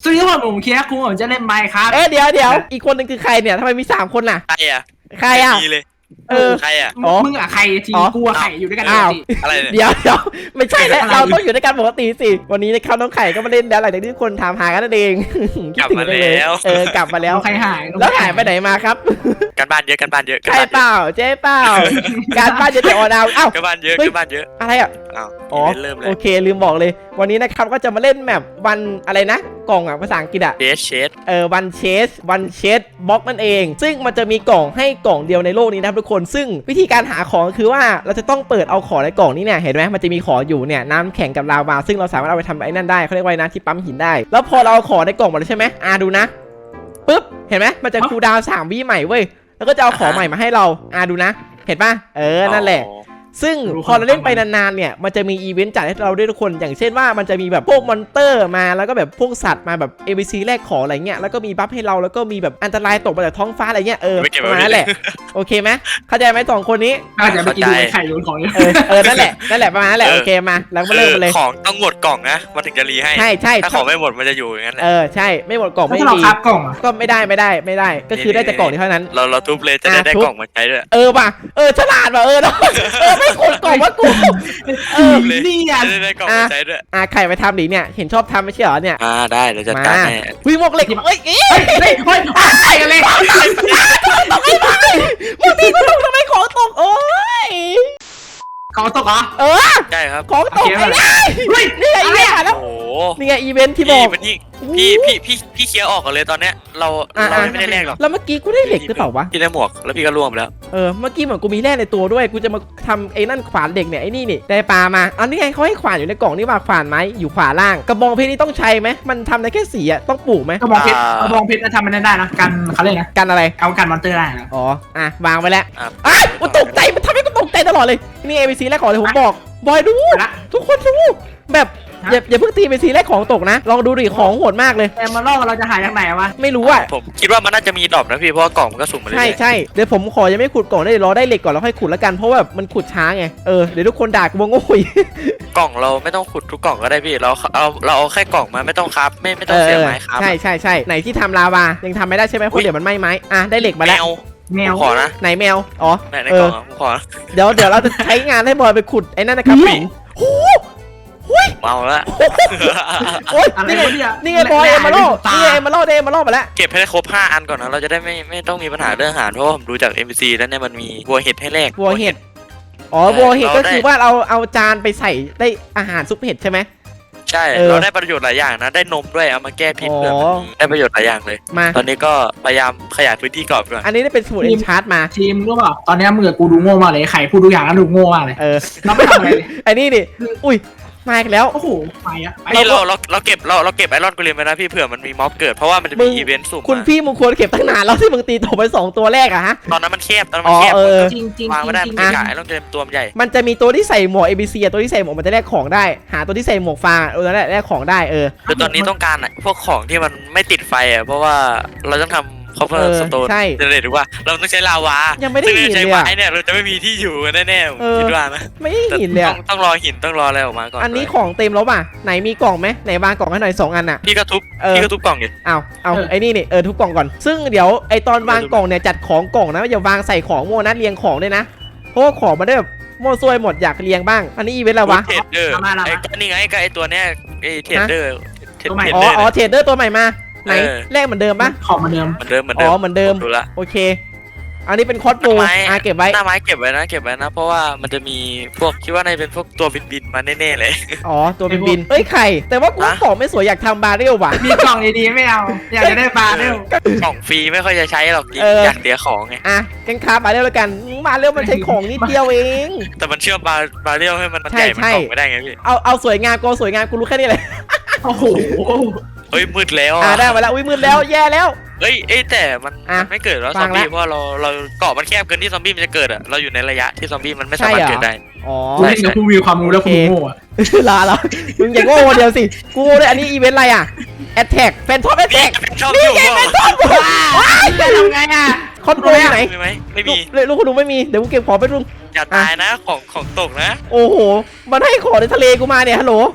วัสดีครับผมเคียร์คุณผมจะเล่นไมค์ครับเดี๋ยวอีกคนนึงคือใครเนี่ยทำไมมี3 คนน่ะใครอ่ะใครอ่ะเลยใครอ่ะมึงอะใครทีกูอะไข่อยู่ด้วยกันอะไรเดี๋ยวไม่ใช่แล้วเราต้องอยู่ด้วยกันปกติสิวันนี้นะครับน้องไข่ก็มาเล่นแล้วหลังจากที่คนถามหากันนั่นเองกลับมาแล้วกลับมาแล้วใครหายแล้วหายไปไหนมาครับการบ้านเยอะใช่เปล่าเจ๊เปล่าการบ้านเยอะแต่ออดาวการบ้านเยอะอะไรอ่ะอ๋อเริ่มเลยโอเคลืมบอกเลยวันนี้นะครับก็จะมาเล่นแมปวันอะไรนะกล่องอ่ะภาษาอังกฤษอ่ะวันเชสบล็อกนั่นเองซึ่งมันจะมีกล่องให้กล่องเดียวในโลกนี้นะครับทุกคนซึ่งวิธีการหาของคือว่าเราจะต้องเปิดเอาของในกล่องนี้เนี่ยเห็นไหมมันจะมีของอยู่เนี่ยน้ำแข็งกับลาวาซึ่งเราสามารถเอาไปทำไอ้นั่นได้เขาเรียกว่านะที่ปั๊มหินได้แล้วพอเราเอาของในกล่องหมดแล้วใช่ไหมดูนะปึ๊บเห็นไหมมันจะคูลดาวน์3 วิใหม่เว้ยแล้วก็จะเอาของใหม่มาให้เราดูนะเห็นป่ะนั่นแหละซึ่งพอเราเล่นไปนานๆเนี่ยมันจะมีอีเวนต์จัดให้เราด้วยทุกคนอย่างเช่นว่ามันจะมีแบบพวกมอนเตอร์มาแล้วก็แบบพวกสัตว์มาแบบ ABC แลกของอะไรเงี้ยแล้วก็มีบัฟให้เราแล้วก็มีแบบอันตรายตกมาจากท้องฟ้าอะไรเงี้ยประมาณนั้นแหละโอเคไหมเข้าใจไหม2 คนนี้น่าจะไปกินไข่โยนของนั่นแหละประมาณนั้นแหละโอเคมาแล้วมาเริ่มเลยของต้องหมดกล่องนะมันถึงจะรีให้ใช่ถ้าของไม่หมดมันจะอยู่อย่างนั้นใช่ไม่หมดกล่องไม่มีกล่องก็ไม่ได้ก็คือได้แต่กล่องเท่านั้นเราทุบเลยจะได้กล่องมาใช้ด้วยป่ะฉลาดป่ะไม่กดกล่องว่ากูนี่อ่ะได้กล่องมาใช้ด้วยใครไปทำดิเนี่ยเห็นชอบทำไม่ใช่เหรอเนี่ยได้เราจะตัดให้วิ่งหมกเหล็กเฮ้ยใส่กันเลยมึงตีกูทำไมของตกโอ้ยของตกเหรอใช่ครับของตกนี่ไงอีเวนต์แล้วนี่ไงอีเวนต์ที่บอกพี่เคลียร์ออกกันเลยตอนเนี้ยเราไม่ได้แลกหรอกแล้วเมื่อกี้กูได้เหล็กหรือเปล่าวะพี่ได้หมวกแล้วพี่ก็ร่วมแล้วเมื่อกี้เหมือนกูมีแร่ในตัวด้วยกูจะมาทำไอ้นั่นขวานเหล็กเนี่ยไอ้นี่ได้ปลามาอันนี้ไงเขาให้ขวานอยู่ในกล่องนี่ว่าขวานไม้อยู่ขวาล่างกระบองเพชรนี่ต้องใช้ไหมมันทำได้แค่สีอะต้องปลูกไหมกระบองเพชรทำมันได้นะกันเขาเรียกนะกันอะไรเอากันมอนเตอร์ได้นะวางไปแล้วกูตกใจมันทำให้กูตกใจตลอดเลยนี่ ABC แรกของเลยผมบอกบอยดูทุกคนดูแบบอย่าเพิ่งตีเป็นสีแรกของตกนะลองดูดิของโหดมากเลยแต่มาล่อเราจะหายจากไหนวะไม่รู้อ่ะผมคิดว่ามันน่าจะมีดรอปนะพี่เพราะกล่องมันก็สุ่มมาเลยใช่เดี๋ยวผมขอยังไม่ขุดกล่องได้รอได้เหล็กก่อนแล้วค่อยขุดแล้วกันเพราะแบบมันขุดช้าไงเดี๋ยวทุกคนด่ากูว่าโง่กล่องเราไม่ต้องขุดทุกกล่องก็ได้พี่เราเอาแค่กล่องมาไม่ต้องครับไม่ต้องเสียไม้ครับใช่ไหนที่ทำลาวายังทำไม่ได้ใช่ไหมเพราะเดี๋ยวมันไหม้ไม้ได้เหล็กมาแล้วแมวขอนะไหนแมวในกล่องขอเดี๋ยวเราจะใช้งานให้บอยไปขุดไอ้นั่นนะครับปิ่งเมาแล้วโอ๊ยนี่ไงบอยเอ็มมาโล่นี่ไงเอ็มมาโล่ได้เอ็มมาโล่มาแล้วเก็บให้ได้ครบ5 อันก่อนนะเราจะได้ไม่ต้องมีปัญหาเรื่องอาหารเพราะผมดูจาก NPC แล้วเนี่ยมันมีวัวเห็ดให้แลกวัวเห็ดวัวเห็ดก็คือว่าเราเอาจานไปใส่ได้อาหารซุปเห็ดใช่ไหมใช่เราได้ประโยชน์หลายอย่างนะได้นมด้วยเอามาแก้พิษเลยได้ประโยชน์หลายอย่างเลยตอนนี้ก็พยายามขยายพื้นที่กรอบก่อนอันนี้ได้เป็นสมุดเอ็นชาร์ตมาทีมรู้เปล่าตอนนี้มือกูดูโง่มากเลยไข่พูดทุกอย่างแล้วดูโง่มากเลยเราไม่ทำอะไรไอ้นี่ดิอุ้ยมาอีกแล้วโอ้โหไปอ่ะนี่เราเก็บไอรอนกูเรียนไปนะพี่เผื่อมันมีม็อบเกิดเพราะว่ามันจะมีอีเวนต์สุ่มคุณพี่มึงควรเก็บตั้งนานแล้วที่มึงตีตกไป2 ตัวแรกอะฮะตอนนั้นมันแคบจริงวางไม่ได้มันใหญ่ไอรอนเต็มตัวมันใหญ่มันจะมีตัวที่ใส่หมวก ABC ตัวที่ใส่หมวกมันจะแลกของได้หาตัวที่ใส่หมวกฟางนั่นแหละแลกของได้คือตอนนี้ต้องการพวกของที่มันไม่ติดไฟเพราะว่าเราต้องทำเขาเพิ่มสโตนจะเห็นว่าเราต้องใช้ลาวายังไม่ได้หินเลยอ่ะเนี่ยเราจะไม่มีที่อยู่กันแน่ๆคิดว่านะไม่ได้หินเลยต้องรอหินต้องรออะไรออกมาก่อนอันนี้ของเต็มแล้วป่ะไหนมีกล่องไหมไหนวางกล่องให้หน่อย2 อันอ่ะพี่ก็ทุบกล่องดิเอาไอ้นี่ทุบกล่องก่อนซึ่งเดี๋ยวไอตอนวางกล่องเนี่ยจัดของกล่องนะอย่าวางใส่ของโม่นะเรียงของด้วยนะเพราะว่าของมันได้แบบโม่ซวยหมดอยากเรียงบ้างอันนี้อีเวนต์อะไรวะเทรดเดอร์นี่ไงไอตัวเนี้ยเทรดเดอร์เทรดเดอร์ตัวใหม่มาไหนแรกเหมือนเดิมปะของเหมือนเดิมเหมือนเดิมโอเคอันนี้เป็นคอสโบเก็บไว้หน้าไม้เก็บไว้นะเพราะว่ามันจะมีพวกคิดว่าในเป็นพวกตัวบินมาแน่ๆเลยตัวบินไข่แต่ว่ากูของไม่สวยอยากทำบาเรลว่ะมีกล่องดีๆไม่เอาอยากจะได้บาเรลกล่องฟรีไม่ค่อยจะใช้หรอกอยากเสียของไงกันค้าบาเรลแล้วกันบาเรลมันใช้ของนิดเดียวเองแต่มันเชื่อบาเรลให้มันใหญ่มันกล่องไม่ได้ไงพี่เอาสวยงามกูรู้แค่นี้เลยโอ้โหเฮ้ยมืดแล้วได้มาแล้วมืดแล้วแย่แล้วแต่มันไม่เกิดแล้วซอมบี้เพราะเราเกาะมันแคบเกินที่ซอมบี้มันจะเกิดเราอยู่ในระยะที่ซอมบี้มันไม่สามารถเกิดได้ใช่กูมีความรู้แล้วกูโง่ลามึงอย่าโง่เดียวสิกูเลยอันนี้อีเวนต์อะไรอ่ะแอตแทกแฟนทอมแอตแทกนี่ไงแฟนทอมจะทำไงอ่ะคอนโทรลไหนไม่มีลูกคุณลุงไม่มีเดี๋ยวกูเก็บของไปลุงอย่าตายนะของตกนะโอ้โหมันให้ของในทะเลกูมาเนี่ยฮัลโหล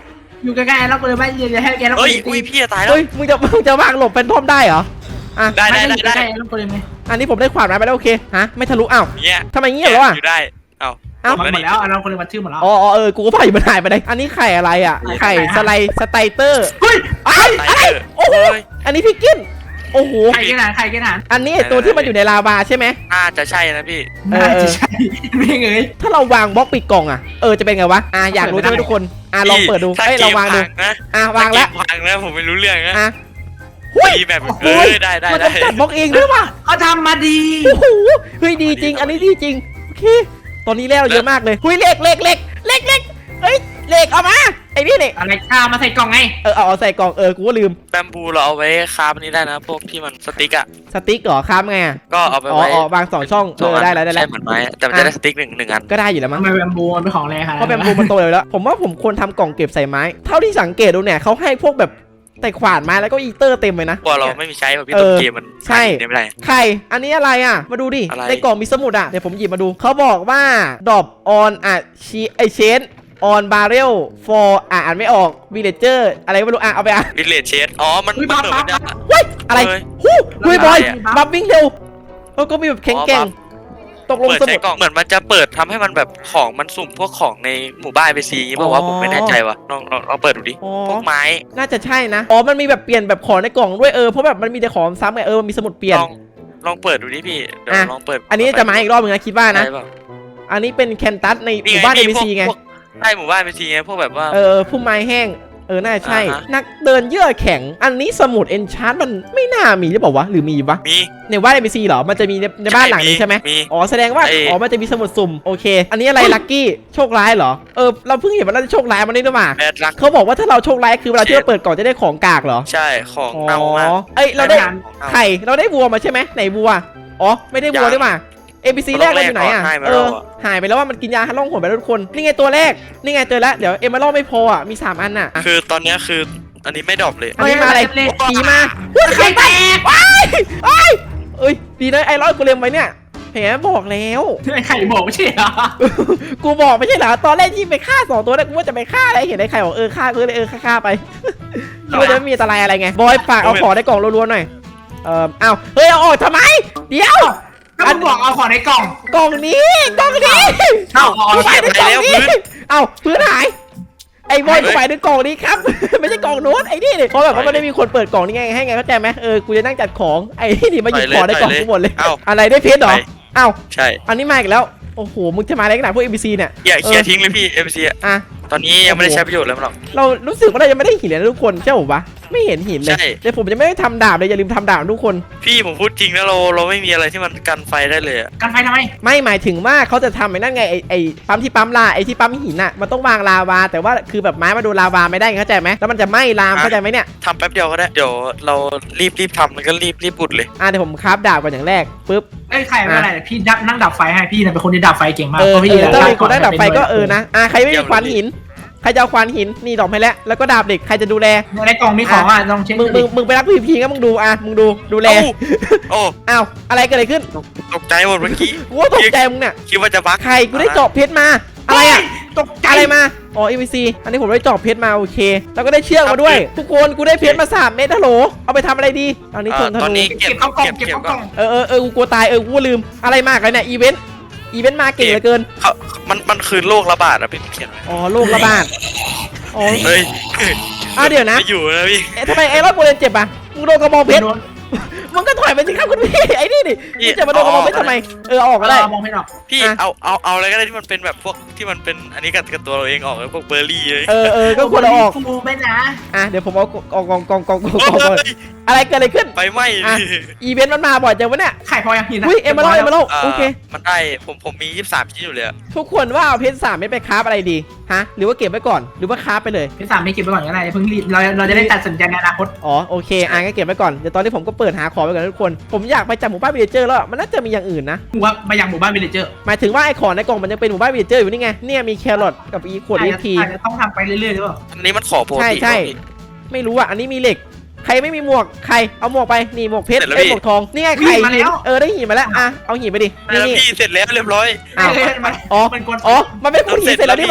อยู่ใกล้ๆแล้วกูเลยไม่ยืนให้แกแล้วเฮ้ยอุ้ยพี่จะตายแล้วเฮ้ยมึงจะวางหลบเป็นทอมได้เหรออ่ะได้แล้วกูเลยไหมอันนี้ผมได้ขวานไม้ไปแล้วโอเคฮะไม่ทะลุอ้าวเนี่ยทำไมเงี้ยเหรอวะอยู่ได้เอ้าเอ้ามันหมดแล้วเราคนเลยมาชื่อหมดแล้วอ๋อกูก็พายมันหายไปเลยอันนี้ไข่อะไรอ่ะไข่สไตเตอร์เฮ้ยอะไรโอ้โหอันนี้พี่กินโอ้โหไข่กินอาหารไข่กินอาหารอันนี้ตัวที่มันอยู่ในลาวาใช่ไหมน่าจะใช่นะพี่น่าจะใช่ไม่เงยถ้าเราวางบล็อกปิดกล่องอ่ะจะเป็นไงวะอยากรู้ใช่ไหมทุกคนลองเปิดดูเราวางดูวางแล้ววางแล้วผมไม่รู้เรื่องนะหุ้ยแบบได้มันต้องจัดบล็อกเองด้วยว่ะเขาทำมาดีโอ้โหเฮ้ยดีจริงอันนี้ดีจริงโอเคตอนนี้แล้วเยอะมากเลยหุ้ยเล็กเฮ้ยเล็กเอามาไอ้นี่นี่อะไรข้าวมาใส่กล่องไงเอาใส่กล่องกูก็ลืมแบมบูเราเอาไว้คาบนี้ได้นะพวกที่มันสติ๊กอะสติ๊กเหรอค้ามไงก็เอาไปไว้วาง2ช่องได้แล้วใช่เหมือนไม้แต่มันจะได้สติ๊กหนึ่งอันก็ได้อยู่แล้วมั้ทำงไมแบมบูมันเป็นของแรงค่ะเพราะแบมบูมันโตเลยแล้วผมว่าผมควรทำกล่องเก็บใส่ไม้เท่าที่สังเกตดูเนี่ยเขาให้พวกแบบแต่ขวานไม้แล้วก็อีเตอร์เต็มเลยนะกลัวเราไม่มีใช้แบบพี่ต้นเกมมันไม่ได้ไข่อันนี้อะไรอ่ะมาดูดิอะไรในกล่องมีสมุดอ่ะเดี๋ยวผมหยิบมาดูเขาบอกว่าดอบออนเชนออนบาร์เรลฟอร์อ่านไม่ออกวิลเลเจอร์อะไรไม่รู้เอาไปวิลเลจเชดอ๋อมันเหมือนมันจะเฮ้ยอะไรฮู้เฮ้ยบอยบัฟวิ่งเร็วก็มีแบบแข็งแกร่งตกลงเปิดสใช้มุดกล่องเหมือนมันจะเปิดทำให้มันแบบของมันสุ่มพวกของในหมู่บ้านไปซีบอกว่าผมไม่แน่ใจว่ะลองเปิดดูดิพวกไม้น่าจะใช่นะมันมีแบบเปลี่ยนแบบของในกล่องด้วยเพราะแบบมันมีแต่ของซ้ำไงมันมีสมุดเปลี่ยนลองเปิดดูดิพี่เดี๋ยวลองเปิดอันนี้จะมาอีกรอบนึงนะคิดว่านะอันนี้เป็นแคนตัสในหมู่บ้าน NPC ไงใช่หมู่บ้านไปซีไงพวกแบบว่าพุ่มไม้แห้งน่าใช่นักเดินเยื่อแข็งอันนี้สมุดเอนชาร์ตมันไม่น่ามีหรือเปล่าวะหรือมีปะมีในบ้าน NPC เหรอมันจะมีในบ้านหลังนี้ใช่ไหมแสดงว่ามันจะมีสมุดสุ่มโอเคอันนี้อะไรลัคกี้โชคร้ายเหรอเราเพิ่งเห็นว่าเราจะโชคร้ายมันนี่ด้วยมาเขาบอกว่าถ้าเราโชคร้ายคือเวลาที่เราเปิดกล่องจะได้ของกากเหรอใช่ของเน่ามากเราได้ไข่เราได้วัวมาใช่ไหมไหนวัวไม่ได้วัวด้วยมาNPC แรกเราอยู่ไหนอ่ะหายไปแล้วว่ามันกินยาล่องหนไปแล้วทุกคนนี่ไงตัวแรกนี่ไงเจอแล้วเดี๋ยวเอมเมอรัลไม่พอมี3อันน่ะคือตอนนี้คืออันนี้ไม่ดรอปเลยอันนี้มาอะไรผีมาไข่แตกดีนะไอ้ร้อยกูเล็มไว้เนี่ยแหมบอกแล้วไข่บอกไม่ใช่เหรอกูบอกไม่ใช่เหรอตอนแรกที่ไปฆ่า2ตัวแรกกูว่าจะไปฆ่าอะไรเห็นไอ้ไข่บอกฆ่ากูเลยฆ่าไปกูจะไม่มีอันตรายอะไรไงบอยฝากเอาของในกล่องรัวๆหน่อยเอาออกทำไมเดี๋ยวก็มึงบอกเอาของในกล่องกล่องนี้กูไปในกล่องนี้พื้นหายไอ้บอยกูไปในกล่องนี้ครับไม่ใช่กล่องโน้ตไอ้นี่เพราะแบบว่ามันไม่มีคนเปิดกล่องนี้ไงให้ไงเข้าใจไหมกูจะนั่งจัดของไอ้นี่มาหยิบของในกล่องกูหมดเลยอะไรได้เพชรเหรอใช่อันนี้มาอีกแล้วโอ้โหมึงจะมาอะไรกันหนาพวก NPC เนี่ยอย่าเคลียร์ทิ้งเลยพี่ NPC อ่ะตอนนี้ยังไม่ได้ใช้ประโยชน์เลยมั้งหรอกเรารู้สึกว่าเรายังไม่ได้หินเลยนะทุกคนใช่ป่ะไม่เห็นหินเลยเดี๋ยวผมจะไม่ได้ทำดาบเลยอย่าลืมทำดาบทุกคนพี่ผมพูดจริงนะเราไม่มีอะไรที่มันกันไฟได้เลยกันไฟทำไมไม่หมายถึงว่าเขาจะทำไอ้นั่นไงไอ้ปั๊มที่ปั๊มลาไอ้ที่ปั๊มหินน่ะมันต้องวางลาวาแต่ว่าคือแบบไม้มาโดนลาวาไม่ได้เข้าใจไหมแล้วมันจะไหม้ลามเข้าใจไหมเนี่ยทำแป๊บเดียวก็ได้เดี๋ยวเรารีบทำมันก็รีบปุดเลยเดี๋ยวผมคราฟดาบก่อนอย่างแรกปึ๊บใครไม่อะไรพี่นั่งดับไฟให้พี่เป็นคนที่ดับไฟเก่งมากพี่ถ้าเป็นคนได้ดับไฟก็นะใครไม่มีขวานหินใครจะเอาควานหินนี่ดอกให้แล้วก็ดาบเหล็กใครจะดูแลในกล่องมีของลองเช็คมึงไปรับพีงั้นมึงดูแลอะไรเกิดอะไรขึ้นตกใจหมดเมื่อกี้กูตกใจมึงเนี่ยคิดว่าจะบักใครกูได้จอบเพชรมาอะไรตกใจอะไรมาNPC อันนี้ผมได้จอบเพชรมาโอเคแล้วก็ได้เชือกมาด้วยทุกคนกูได้เพชรมา3 เม็ดฮัลโหลเอาไปทำอะไรดีตอนนี้ตอนนี้เก็บเข้ากล่องกูกลัวตายกูลืมอะไรมากเลยเนี่ยอีเวนต์มาเก่งเหลือเกินมันคือโรคระบาดอะพี่เขียนโรคระบาดเฮ้ยเดี๋ยวนะอยู่นะพี่ทำไมไอ้รอดโบเลนเจ็บอ่ะมึงโดนกระบอกเพชรมึงก็ถอยไปสิครับคุณพี่ไอ้นี่ดิมึงจะมาโดนกระบอกเพชรทำไมออกก็ได้มองไม่ออกพี่เอาอะไรก็ได้ที่มันเป็นแบบพวกที่มันเป็นอันนี้กับตัวเราเองออกพวกเบอร์รี่เลยก็ควรออกกูไม่นะเดี๋ยวผมเอากองอะไรเกิดอะไรขึ้นไฟไหม้อีเวนต์มันมาบ่อยจังวะเนี่ยไข่พอยังหินเอ็มมาโลโอเคมันได้ผมมี23ชิ้นอยู่เลยทุกคนว่าเอาเพชร3ไม่ไปคราฟอะไรดีฮะหรือว่าเก็บไว้ก่อนหรือว่าคราฟไปเลยเพชร3ไม่เก็บไว้ก่อนก็ได้เพิ่งรีบเราจะได้ตัดสินใจในอนาคตโอเคงั้นเก็บไว้ก่อนเดี๋ยวตอนนี้ผมก็เปิดหาของไปก่อนทุกคนผมอยากไปจับหมู่บ้านวิลเลเจอร์แล้วมันน่าจะมีอย่างอื่นนะว่ามายังหมู่บ้านวิลเลเจอร์หมายถึงว่าไอ้ของในกล่องมันยังเป็นหมู่บ้านวิลเลเจอร์อยู่นี่ไงเนี่ยมีแครอทกับอีขวดEXP ต้องทำไปเรื่อยๆหรือเปล่าอันนี้มันขอโปรตีนใช่ไม่รู้อันนี้มีเหล็กใครไม่มีหมวกใครเอาหมวกไปนี่หมวกเพชรหมวกทองนี่ไงไข่ได้หินมาแล้วเอาหินไปดินี่เสร็จแล้วเรียบร้อยมันเป็นคนหินเสร็จแล้วนี่มา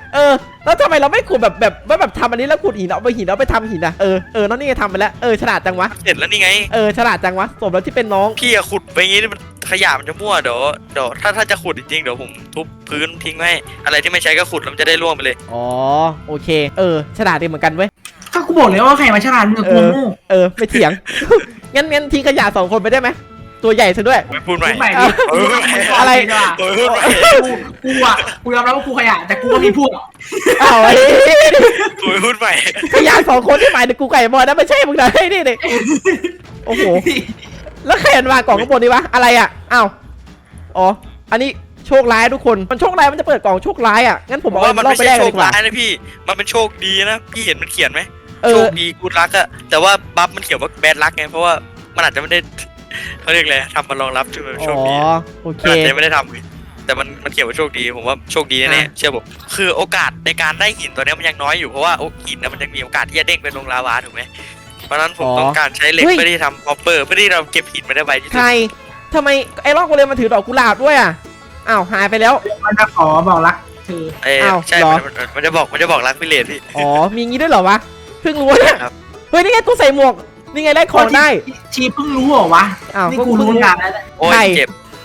แล้วทำไมเราไม่ขุดแบบทำอันนี้แล้วขุดหินเอาไปหินเอาไปทำหินอ่ะน้องนี่ไงทำไปแล้วฉลาดจังวะเสร็จแล้วนี่ไงฉลาดจังวะสมแล้วที่เป็นน้องพี่อะขุดไปงี้มันขยะมันจะมั่วเดี๋ยวถ้าจะขุดจริงๆเดี๋ยวผมทุบพื้นทิ้งไว้อะไรที่ไม่ใช้ก็ขุดแล้วมันจะได้ร่วงไปเลยอ๋อโอเคฉลาดดีเหมือนกันเว้ยก็กูบอกเลยว่าใครมาฉลาดมึงกับกูโง่ไม่เถียง งั้นทิ้งขยะ2 คนไปได้ไหมตัวใหญ่ซะด้วยไม่พูดใหม่พูดใหม่ดิอะไรพูดใหม่กูยอมรับว่ากูขยะแต่กูก็มีพวกอ้าวพูดใหม่ขยะ2 คนที่หมายถึงกูไก่บอลนะไม่ใช่มึงนะนี่เด็กโอ้โหแล้วใครวางกล่องข้างบนดีวะอะไรอ่ะอ้าวอ๋ออันนี้โชคร้ายทุกคนมันโชคร้ายมันจะเปิดกล่องโชคร้ายอ่ะงั้นผมบอกว่ามันรอบไปแรกเลยดีกว่านะพี่มันเป็นโชคดีนะพี่เห็นมันเขียนไหมเอโชอคดีกูรักอะแต่ว่าบัฟมันเขียนว่าแบดรักไงเพราะว่ามันอาจจะไม่ได้เขาเรียกอะไรทำมารองรับช่วยโชคดีโอเคอาจจะไม่ได้ทำไงแต่มันเขียนว่าโชคดีผมว่าโชคดีแน่ๆเชื่อผมคือโอกาสในการได้หินตัวนี้มันยังน้อยอยู่เพราะว่าหินนะมันยังมีโอกาสที่จะเด้งไปลงลาวาถูกไหมเพราะฉะนั้นผมต้องการใช้เหล็กเพื่อที่ทำฮอปเปอร์เพื่อที่เราเก็บหินมาได้ไวที่สุใคดรทำไมไอ้รอบกูเลยมันถือดอกกุหลาบด้วยอ่ะอ้าวหายไปแล้วมันจะขอบอกรักเธออ้าวใช่เหรอมันจะบอกรักพิเรนพี่อ๋อมีงี้ด้วยเหรอวะเพิ่งรู้เนี่ยครับเฮ้ยนี่ไงกูใส่หมวกนี่ไงได้ของได้ชีเพิ่งรู้เหรอวะอ้าวนี่กูรู้งานแล้วโอ้ยใช่เจ็บบ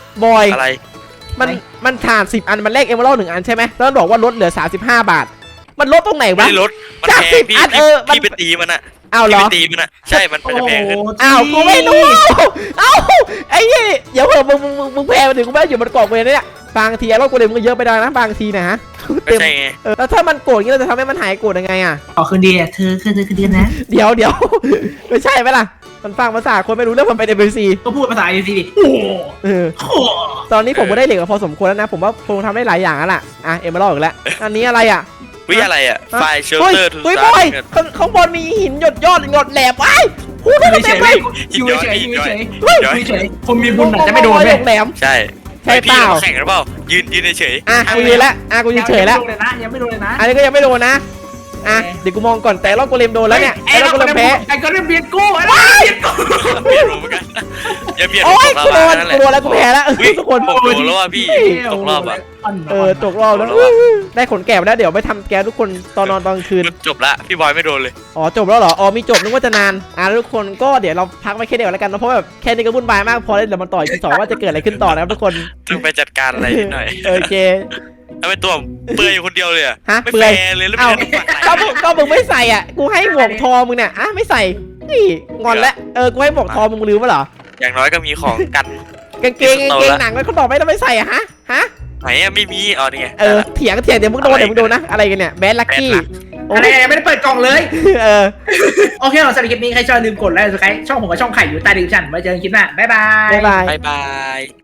อยอะไรมันถ่าน10 อันมันแลกเอเมอรัล1 อันใช่ไหมแล้วมันบอกว่าลดเหลือ35 บาท มันลดตรงไหนไม่วะได้ลดมันจากแพง 10 พี่อันมันพี่ไปตีมันอะอ้าวเหรพี่อไปตีมันอะใช่มันจะแพงขึ้นอ้าวกูไม่รู้อ้าวไอ้นี่เดี๋ยวเผื่อมึงแพ้มาถึงกูไม่ได้อยู่บนกล่องเลยเนี่ยบางทีไอ้รอบกูเลยมึงเยอะไปได้นะบางทีนะฮะไม่ใช่ไงแล้วถ้ามันโกรธงี้เราจะทำให้มันหายโกรธยังไงอ่ะขอคืนดีอ่ะเธอคืนดีนะเดี๋ยว ไม่ใช่ไหมล่ะ มันฟังภาษาคนไม่รู้เรื่องมันเป็น NPC ก็พูดภาษาอีซีดิโอ้โหเออตอนนี้ผมก็ได้เหล็กมาพอสมควรแล้วนะ ผมว่าคงทำได้หลายอย่างแล้วล่ะ เอ็มเบอร์อีกแล้ว อันนี้อะไรอ่ะวิอะไรอะไฟเชลเฮ้ยเตอร์ทูเฮ้ยซาบอยร์ข้างบนมีหินหยดยอดหยดแหลมไอ้พูดอยู่ได้เฉเต็มยเลยอยู่เฉยอยู่เฉยอยู่เฉยคนมีบุญอาจจะไม่โดนหเลยยดแหลมใช่ใช่เปล่าพี่แข่งกันเปล่ายืนเฉยกูยืนแล้วกูยืนเฉยแล้วยังไม่โดนเลยนะอันนี้ก็ยังไม่โดนนะ เดี๋ยวกูมองก่อนแต่รอบกูเลมโดนแล้วเนี่ยไอ้รอบกูเลมแพ้ไอ้ก็เรียกเบียดกูไอ้เบียดกูเบียดผมเหมือนกันอย่าเบียดผโอ้มยตกกูรอบโดนนั่นแหกูละโดนแล้วกูแพ้แล้วทุกคนผมโดนแล้วว่าพี่ตกรอบอะตกรอบแล้วได้ขนแกะมาแล้วเดี๋ยวไปทำแกะทุกคนตอนนอนตอนคืนจบละพี่บอยไม่โดนเลยอ๋อจบแล้วเหรอ อ๋อมีจบนึกว่าจะนานแล้วทุกคนก็เดี๋ยวเราพักไว้แค่เดียวแล้วกันนะเพราะแบบแค่นี้ก็วุ่นวายมากพอแล้วเดี๋ยวมันต่อยที่2ว่าจะเกิดอะไรขึ้นต่อนะครับทุกคนต้องไปจัดการอะไรนิดหน่อยโอเคทำไมตัวเปื่อยอยู่คนเดียวเลยอะฮะไม่เปื่แฟอยร์เลยแล้วเอ้าไม่ได้ต้องปักไหนก็มึงไม่ใส่อ่ะกูให้หมวกทอมึงเนี่ยไม่ใส่นี่งอนแล้วกูให้หมวกทอมึงลืมปะเหรออย่างน้อยก็มีของกันกางเกงหนังแล้วเขาบอกไม่ต้องไม่ใส่อะฮะไหนอะไม่มีอ๋อนี่ไงเถียงเดี๋ยวมึงโดนนะอะไรกันเนี่ยแบดลักกี้อะไรไม่ได้เปิดกล่องเลย โอเคสำหรับคลิปนี้ใครชอบลืมกดไลค์กดซับสไครต์ช่องผมกับช่องไข่อยู่ใต้ดีสคริปชั่นไว้เจอกันคลิปหน้าบ๊ายบายบ๊ายบายบาย